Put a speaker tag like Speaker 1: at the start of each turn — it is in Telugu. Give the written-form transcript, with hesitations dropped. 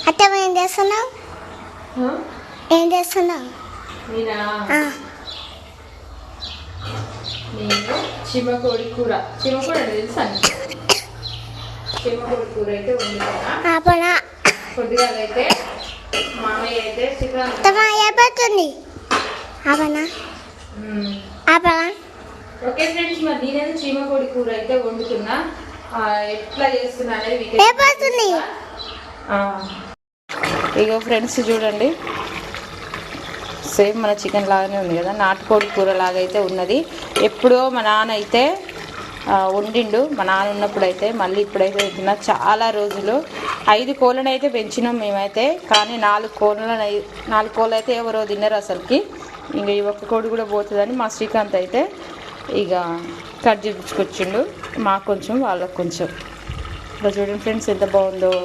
Speaker 1: అత్త ఏం చేస్తున్నావు? ఏం చేస్తున్నావు?
Speaker 2: నేను చిమ్మకోడి కూర తెలుసా? చిమ్మకోడి కూర అయితే వండుకున్నా. కొద్దిగా అయితే మామయ్య అయితే చికెన్
Speaker 1: అయిపోతుంది.
Speaker 2: ఓకే ఫ్రెండ్స్, మరి నేనైతే చీమకోడి కూర అయితే వండుతున్నా. ఎట్లా చేస్తున్నా అనేది ఇగో ఫ్రెండ్స్ చూడండి, సేమ్ మన చికెన్ లాగానే ఉంది కదా, నాటుకోడి కూర లాగా అయితే ఉన్నది. ఎప్పుడో మా నాన్న అయితే వండిండు, మా నాన్న ఉన్నప్పుడు అయితే. మళ్ళీ ఇప్పుడైతే తిన్నా. చాలా రోజులు 5 కోళ్ళను అయితే పెంచినాం మేమైతే, కానీ 4 కోళ్ళు అయితే ఎవరో తిన్నారు అసలుకి. ఇంకా ఈ ఒక్క కోడి కూడా పోతుందని మా శ్రీకాంత్ అయితే ఇక కట్ చేయించుకొచ్చిండు. మాకు కొంచెం వాళ్ళకు కొంచెం. ఇలా చూడండి ఫ్రెండ్స్ ఎంత బాగుందో.